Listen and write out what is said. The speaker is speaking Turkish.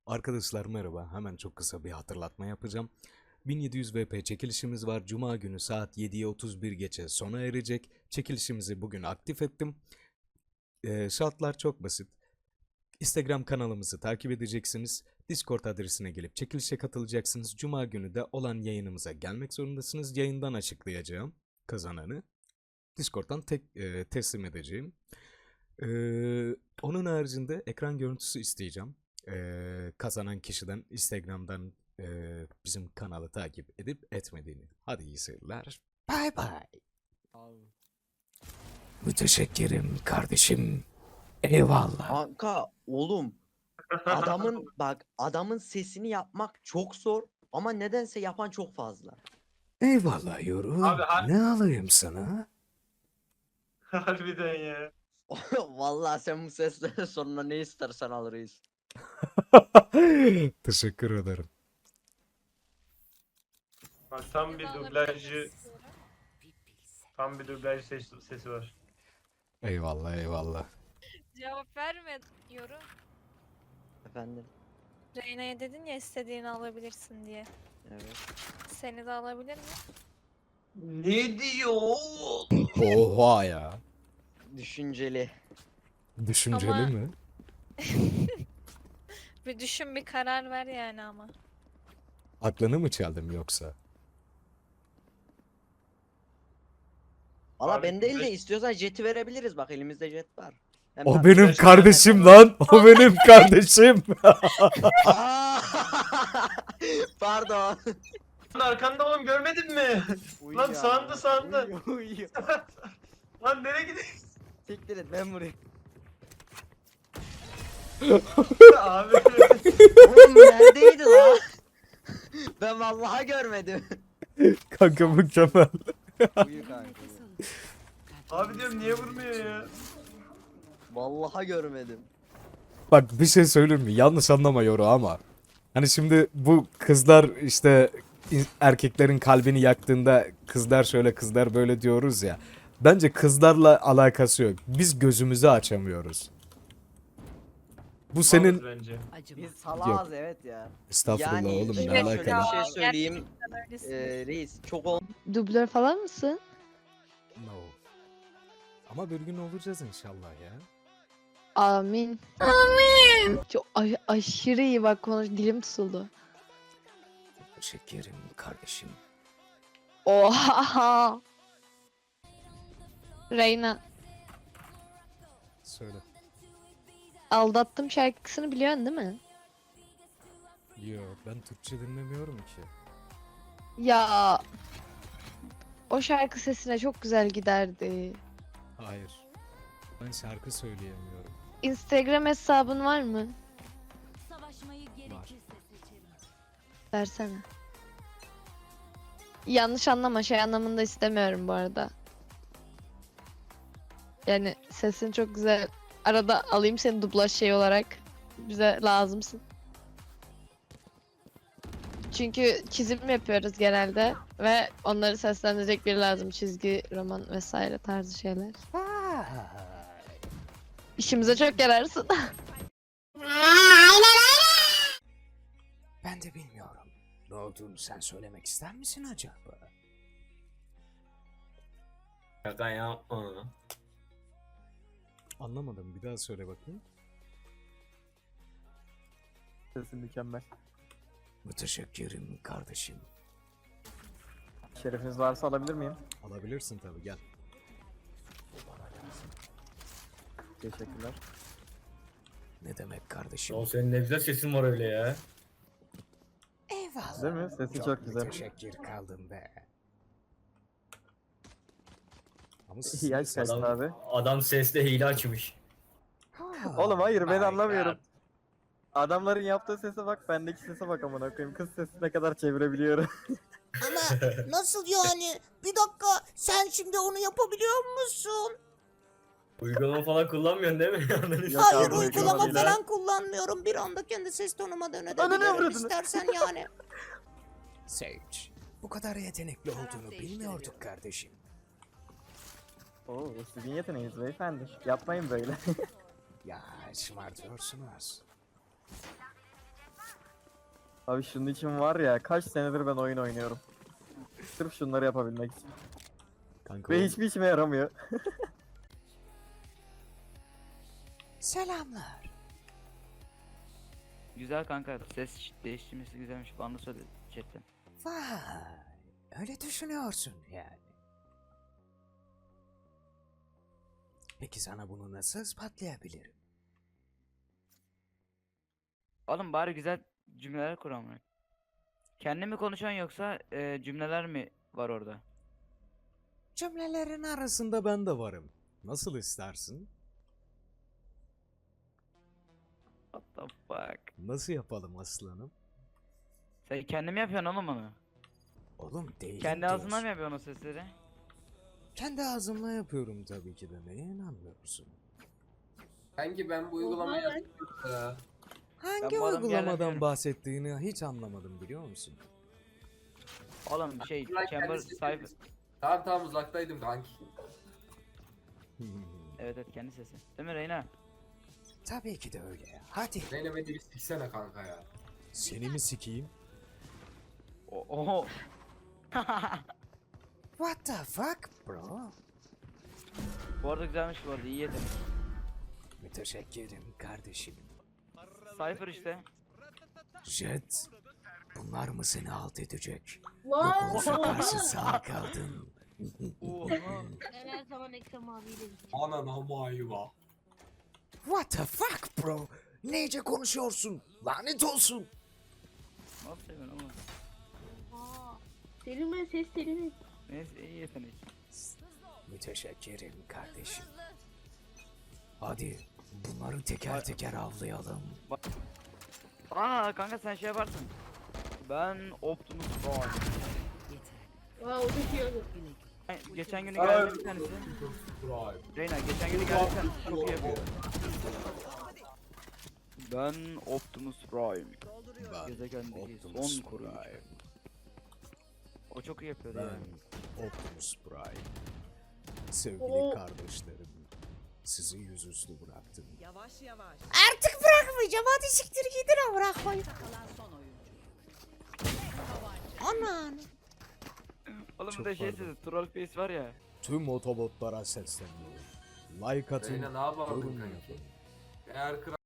Arkadaşlar merhaba. Hemen çok kısa bir hatırlatma yapacağım. 1700 VP çekilişimiz var. Cuma günü saat 7'ye 31 geçe sona erecek. Çekilişimizi bugün aktif ettim. Şartlar çok basit. Instagram kanalımızı takip edeceksiniz. Discord adresine gelip çekilişe katılacaksınız. Cuma günü de olan yayınımıza gelmek zorundasınız. Yayından açıklayacağım kazananı. Discord'dan teslim edeceğim. Onun haricinde ekran görüntüsü isteyeceğim. Kazanan kişiden Instagram'dan bizim kanalı takip edip etmediğini. Hadi iyi seyirler. Bye bye. Müteşekkirim kardeşim. Eyvallah. Kanka oğlum adamın sesini yapmak çok zor ama nedense yapan çok fazla. Eyvallah Yoru. Abi, Ne alayım sana? harbiden ya. Vallahi sen bu sesle sonra ne istersen alırız. Teşekkür ederim. Bak tam bir dublajcı, tam bir dublaj sesi var. Eyvallah eyvallah. Cevap vermiyorum. Efendim. Reyna'ya dedin ya istediğini alabilirsin diye. Evet. Seni de alabilir mi? Ne diyor? Oha ya. Düşünceli. Düşünceli Ama- mi? Bir düşün, bir karar ver yani ama. Aklını mı çaldım yoksa? Valla Abi, ben değil de dublaj- istiyorsan jeti verebiliriz, bak elimizde jet var. Hem O tabii- benim Beş kardeşim tane- lan. O benim kardeşim. Aa! Pardon. Lan arkanda oğlum, görmedin mi? Lan sağında. Uyuyor. Lan nereye gidiyorsun Siktir et, ben vurayım. abi? Oğlum neredeydi lan? Ben vallahi görmedim. Kanka mükemmel. Uyu kanka. Abi diyorum, niye vurmuyor ya? Vallahi görmedim. Bak bir şey söyleyeyim mi? Yanlış anlama Yoru ama. Hani şimdi bu kızlar işte erkeklerin kalbini yaktığında kızlar şöyle kızlar böyle diyoruz ya. Bence kızlarla alakası yok. Biz gözümüzü açamıyoruz. Bu senin... Malız bence. Biz salağız evet ya. Estağfurullah oğlum ne şöyle Evet alaka bir lan? şey söyleyeyim. Gerçekten öylesin. Reis çok ol. Dublör falan mısın? No. Ama bir gün olacağız inşallah ya. Amin. Amin. Çok aşırı iyi bak, dilim tutuldu. Şekerim kardeşim. Oha. Reyna, Söyle. aldattım şarkısını biliyorsun değil mi? Yo ben Türkçe dinlemiyorum ki. Ya o şarkı sesine çok güzel giderdi. Hayır. Ben şarkı söyleyemiyorum. Instagram hesabın var mı? Var. Versene. Yanlış anlama, şey anlamında istemiyorum bu arada. Yani sesin çok güzel. Arada alayım seni dublaj şey olarak. Bize lazımsın. Çünkü çizim yapıyoruz genelde ve onları seslendirecek biri lazım. Çizgi, roman vesaire tarzı şeyler. İşimize çok yararsın. Ben de bilmiyorum. Ne olduğunu sen söylemek ister misin acaba? Şaka yapma. Anlamadım. Bir daha söyle bakayım. Sesin mükemmel. Müteşekkirim kardeşim. Şerefiniz varsa alabilir miyim? Alabilirsin tabii gel. Teşekkürler. Ne demek kardeşim? O senin ne güzel sesin var öyle ya. Eyvallah. Değil mi? Sesi çok güzel. Müteşekkir kaldım be. Ama İyi yaş kaçtı Adam, abi. adam sesle hile açmış. Oğlum hayır ben my anlamıyorum. God. Adamların yaptığı sese bak, bendeki sese bak amına koyayım. Kız sesi ne kadar çevirebiliyorum. Ama nasıl yani? Bir dakika, sen şimdi onu yapabiliyor musun? Uygulama falan kullanmıyorsun değil mi? Ananı Yok Hayır, abi, uygulama uygulama değil falan kullanmıyorum. Bir anda kendi ses tonuma Ananı dönebilirim avradını. istersen yani. Sage, bu kadar yetenekli olduğunu bilmiyorduk kardeşim. Oo, bu sizin yeteneğiniz beyefendi. Yapmayın böyle. Ya şımartıyorsunuz. Abi şunun için var ya kaç senedir ben oyun oynuyorum. Sırf şunları yapabilmek için. Kanka Ve hiçbir işime yaramıyor. Selamlar. Güzel kanka. Ses değiştirmesi güzelmiş. Bana da söyle chatten. Vay. Öyle düşünüyorsun yani. Peki sana bunu nasıl ispatlayabilirim? Oğlum bari güzel cümleler kur amına. Kendi mi konuşan yoksa cümleler mi var orada? Cümlelerin arasında ben de varım. Nasıl istersin? What the fuck? Nasıl yapalım aslanım? Sen kendi mi yapıyorsun oğlum onu? Oğlum değil. Kendi ağzından mı yapıyorsun o sesleri? Kendi ağzımla yapıyorum tabii ki de. Neye inanmıyorsun? Kanki ben bu uygulamayı yapıyorum ya. Hangi Ben bu adamı uygulamadan yerlemiyorum. bahsettiğini hiç anlamadım biliyor musun? Oğlum şey Ulan Chamber kendisi Cypher. yapıyor. Tamam uzaktaydım kanki. Evet evet kendi sesi. Değil mi Reyna? Tabii ki de öyle. Hadi. Zeynep beni bir siksene kanka ya. Seni mi sikeyim? Oho. What the fuck bro? Bu arada güzelmiş bu arada iyi yedim. Müteşekkirim kardeşim. Cypher işte. Jet, bunlar mı seni alt edecek? Yoksa karşı sağ kaldın. Oha. Her zaman Ekrem abiyle Anana mayva. What the fuck bro? Neyce konuşuyorsun? Lanet olsun. Nasıl seviyorsun oğlum? Selim ses Selim. Neyse iyi yetenek. Müteşekkirim kardeşim. Hadi bunları teker teker avlayalım. Aa kanka sen şey yaparsın. Ben Optimus Prime. Aa o da şey oldu. Geçen günü geldi bir tanesi. Prime. Reyna geçen günü geldi bir tanesi çok iyi yapıyor. Ben Optimus Prime. Ben Gezegendeki Optimus son koruyucu. Prime. O çok iyi yapıyordu Ben yani. Optimus Prime. Sevgili kardeşlerim, sizi yüzüstü bıraktım. Artık bırakmayacağım. Hadi siktir gidin bırakmayın. Aman. Oğlum Çok bir de şey pardon. sesi troll face var ya. Tüm otobotlara sesleniyorum. Like atın, Zeyne ne yapardın yorum kanki? yapın. Eğer kral